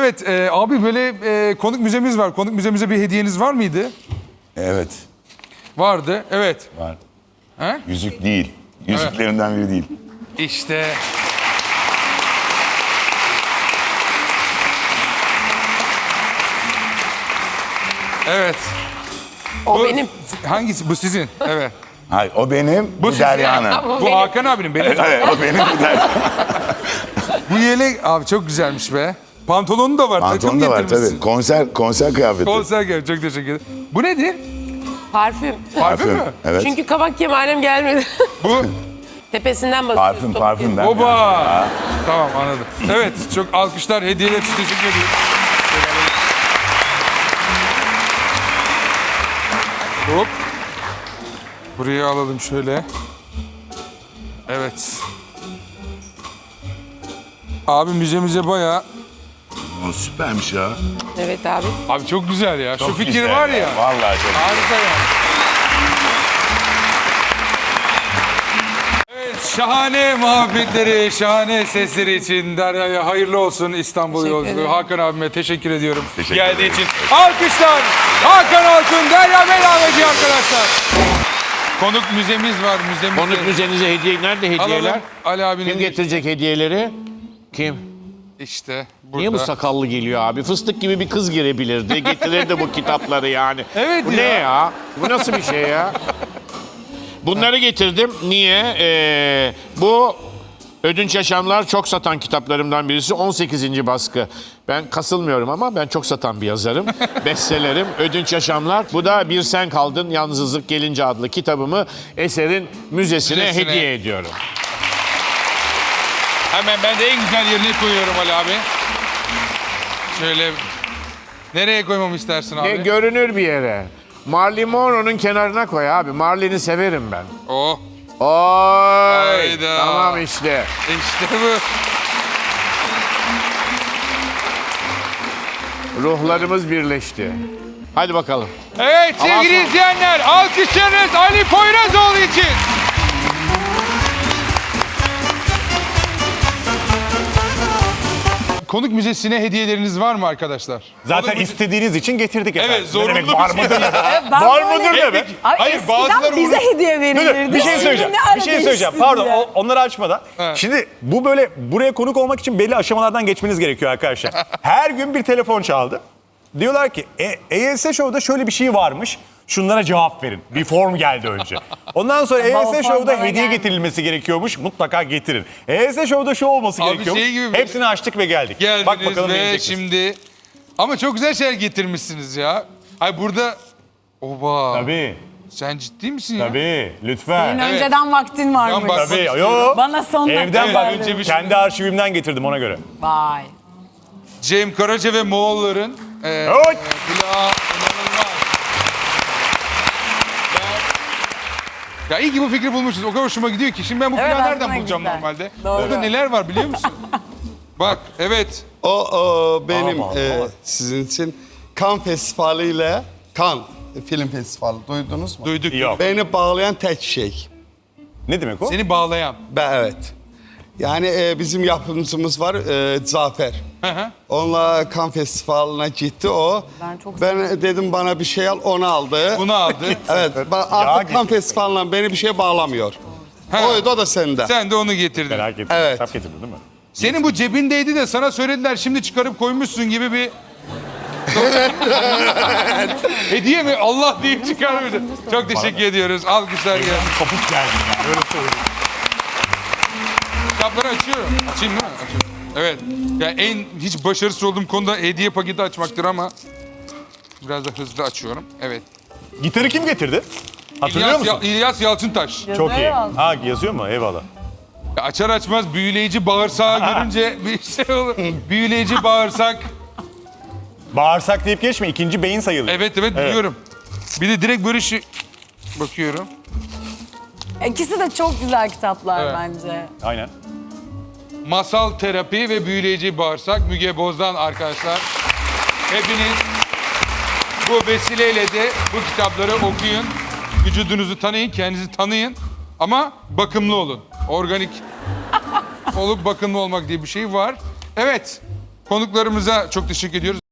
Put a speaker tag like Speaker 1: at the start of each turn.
Speaker 1: Evet abi böyle konuk müzemiz var. Konuk müzemize bir hediyeniz var mıydı?
Speaker 2: Evet.
Speaker 1: Vardı. Evet.
Speaker 2: Var.
Speaker 1: He?
Speaker 2: Yüzük değil. Yüzüklerinden biri değil.
Speaker 1: İşte. Evet.
Speaker 3: O benim.
Speaker 1: Hangisi? Bu sizin. Evet.
Speaker 2: Hayır, o benim, bu
Speaker 1: sizin.
Speaker 2: Derya'nın.
Speaker 1: Bu Hakan abinin. Benim.
Speaker 2: Evet, o benim, bu Derya.
Speaker 1: Bu yelek abi çok güzelmiş be. Pantolonu da var.
Speaker 2: Pantolon da var tabii. Konser kıyafeti.
Speaker 1: Konser geldi. Çok teşekkür ederim. Bu nedir?
Speaker 3: Parfüm.
Speaker 1: Parfüm mü?
Speaker 2: Evet.
Speaker 3: Çünkü kabak kemalem gelmedi.
Speaker 1: Bu.
Speaker 3: Tepesinden basıyoruz.
Speaker 2: Parfümden.
Speaker 1: Oba. Tamam anladım. Evet çok alkışlar, hediyeler için teşekkür ediyorum. Hop. Buraya alalım şöyle. Evet. Abi müzemize bayağı...
Speaker 2: O süpermiş ya.
Speaker 3: Evet abi.
Speaker 1: Abi çok güzel ya. Şu
Speaker 2: Çok
Speaker 1: fikir
Speaker 2: güzel
Speaker 1: var ya.
Speaker 2: Vallahi çok
Speaker 1: Harika ya. Evet, şahane muhabbetleri, şahane sesleri için Derya'ya hayırlı olsun İstanbul
Speaker 3: Teşekkür
Speaker 1: yolculuğu.
Speaker 3: ederim.
Speaker 1: Hakan abime teşekkür ediyorum
Speaker 2: Teşekkür
Speaker 1: geldiği
Speaker 2: ederim.
Speaker 1: için. Alkışlar Hakan Altun, Derya Belaveci arkadaşlar. Konuk müzemiz var.
Speaker 4: Konuk müzenize hediye nerede hediyeler?
Speaker 1: Alalım Ali abinin.
Speaker 4: Kim getirecek hediyeleri? Kim?
Speaker 1: İşte burada.
Speaker 4: Niye bu sakallı geliyor abi? Fıstık gibi bir kız girebilirdi. Getirirdi bu kitapları yani.
Speaker 1: Evet
Speaker 4: bu
Speaker 1: ya.
Speaker 4: ne ya? Bu nasıl bir şey ya? Bunları getirdim. Niye? Bu Ödünç Yaşamlar çok satan kitaplarımdan birisi. 18. baskı. Ben kasılmıyorum ama ben çok satan bir yazarım. Bestsellerim Ödünç Yaşamlar. Bu da Bir Sen Kaldın Yalnızlık Gelince adlı kitabımı Eser'in müzesine hediye ediyorum.
Speaker 1: Hemen ben de en güzel yerine koyuyorum Ali abi. Şöyle nereye koymamı istersin abi?
Speaker 4: Görünür bir yere. Marilyn Monroe'nun kenarına koy abi. Marley'ni severim ben.
Speaker 1: Oh.
Speaker 4: Oy!
Speaker 1: Hayda.
Speaker 4: Tamam işte.
Speaker 1: İşte bu.
Speaker 4: Ruhlarımız birleşti. Hadi bakalım.
Speaker 1: Evet sevgili izleyenler alkışlarınız Ali Poyrazoğlu için. Konuk müzesine hediyeleriniz var mı arkadaşlar?
Speaker 5: Zaten istediğiniz için getirdik efendim.
Speaker 1: Evet, zorunlu
Speaker 5: Ne demek,
Speaker 1: bir
Speaker 5: var
Speaker 1: şey.
Speaker 5: mıdır ne?
Speaker 6: Ben
Speaker 5: Var
Speaker 6: böyle-
Speaker 5: mıdır ne be?
Speaker 6: Ay
Speaker 1: Hayır,
Speaker 6: eskiden
Speaker 1: bazıları
Speaker 6: bize
Speaker 1: onu-
Speaker 6: hediye verilirdi.
Speaker 5: Bir şey söyleyeceğim.
Speaker 6: Şimdi ne
Speaker 5: Bir şey
Speaker 6: ara
Speaker 5: söyleyeceğim.
Speaker 6: değişti
Speaker 5: Pardon
Speaker 6: ya?
Speaker 5: onları açmadan. Şimdi bu böyle buraya konuk olmak için belli aşamalardan geçmeniz gerekiyor arkadaşlar. Her gün bir telefon çaldı. Diyorlar ki EYS Show'da şöyle bir şey varmış. Şunlara cevap verin. Bir form geldi önce. Ondan sonra
Speaker 6: o
Speaker 5: EYS
Speaker 6: form
Speaker 5: Show'da
Speaker 6: bana
Speaker 5: hediye
Speaker 6: geldi.
Speaker 5: getirilmesi gerekiyormuş. Mutlaka getirin. EYS Show'da şu olması
Speaker 1: Abi
Speaker 5: gerekiyormuş.
Speaker 1: şey gibi-
Speaker 5: Hepsini açtık ve geldik.
Speaker 1: Geldiniz
Speaker 5: Bak bakalım ne
Speaker 1: ve
Speaker 5: yiyeceksiniz.
Speaker 1: şimdi... Ama çok güzel şeyler getirmişsiniz ya. Ay burada... Oba.
Speaker 5: Tabii.
Speaker 1: Sen ciddi misin ya?
Speaker 5: Tabii. Lütfen.
Speaker 6: Senin önceden vaktin varmış.
Speaker 1: bak-
Speaker 5: Tabii. Yo.
Speaker 6: Bana son
Speaker 5: Evden
Speaker 6: dakika
Speaker 5: bak.
Speaker 6: verdin.
Speaker 1: önce bir şey-
Speaker 5: Kendi arşivimden getirdim ona göre.
Speaker 6: Vay.
Speaker 1: Cem Karaca ve Moğolların...
Speaker 5: Oy!
Speaker 1: Plağı inanılmaz. Ya iyi ki bu fikri bulmuşuz. O kadar hoşuma gidiyor ki. Şimdi ben bu
Speaker 6: Evet,
Speaker 1: plağı nereden
Speaker 6: aslında
Speaker 1: bulacağım
Speaker 6: güzel.
Speaker 1: normalde?
Speaker 6: Doğru.
Speaker 1: Burada neler var biliyor musun? Bak evet.
Speaker 7: O benim sizin için Cannes Festivali ile Cannes Film Festivali duydunuz mu?
Speaker 1: Duyduk.
Speaker 5: Yok.
Speaker 7: Beni bağlayan tek şey.
Speaker 5: Ne demek o?
Speaker 1: Seni bağlayan.
Speaker 7: Evet. Yani bizim yapımcımız var Zafer.
Speaker 1: Hı hı.
Speaker 7: Onunla Cannes Festivali'ne gitti o. Ben dedim bana bir şey al, onu aldı.
Speaker 1: Bunu aldı.
Speaker 7: Evet, artık Cannes Festivali'ne beni bir şey bağlamıyor.
Speaker 1: Ha.
Speaker 7: O da sende.
Speaker 1: Sen de onu getirdin.
Speaker 5: Merak ettim.
Speaker 7: Evet.
Speaker 5: Kitap getirdin değil mi?
Speaker 1: Senin bu cebindeydi de sana söylediler şimdi çıkarıp koymuşsun gibi bir... Hediye mi? Allah deyip çıkarmışsın. Çok teşekkür ediyoruz. Alkışlar gelsin.
Speaker 5: Kopuk geldim yani. Öyle söyleyeyim.
Speaker 1: Kitapları açıyorum. Açayım değil mi? Açıyorum. Evet. Yani en hiç başarısız olduğum konuda hediye paketi açmaktır ama biraz da hızlı açıyorum. Evet.
Speaker 5: Gitarı kim getirdi? Hatırlıyor musun?
Speaker 1: İlyas Yalçıntaş.
Speaker 5: Çok iyi.
Speaker 6: Yazıyor.
Speaker 5: Ha yazıyor mu? Eyvallah.
Speaker 1: Ya açar açmaz büyüleyici bağırsağı görünce bir şey olur. Büyüleyici bağırsak.
Speaker 5: Bağırsak deyip geçme. İkinci beyin sayılır.
Speaker 1: Evet biliyorum. Bir de direkt böyle şey bakıyorum.
Speaker 6: İkisi de çok güzel kitaplar
Speaker 1: Evet.
Speaker 6: bence.
Speaker 5: Aynen.
Speaker 1: Masal terapi ve büyüleyici bağırsak Müge Boz'dan arkadaşlar. Hepiniz bu vesileyle de bu kitapları okuyun. Vücudunuzu tanıyın, kendinizi tanıyın. Ama bakımlı olun. Organik olup bakımlı olmak diye bir şey var. Evet. Konuklarımıza çok teşekkür ediyoruz.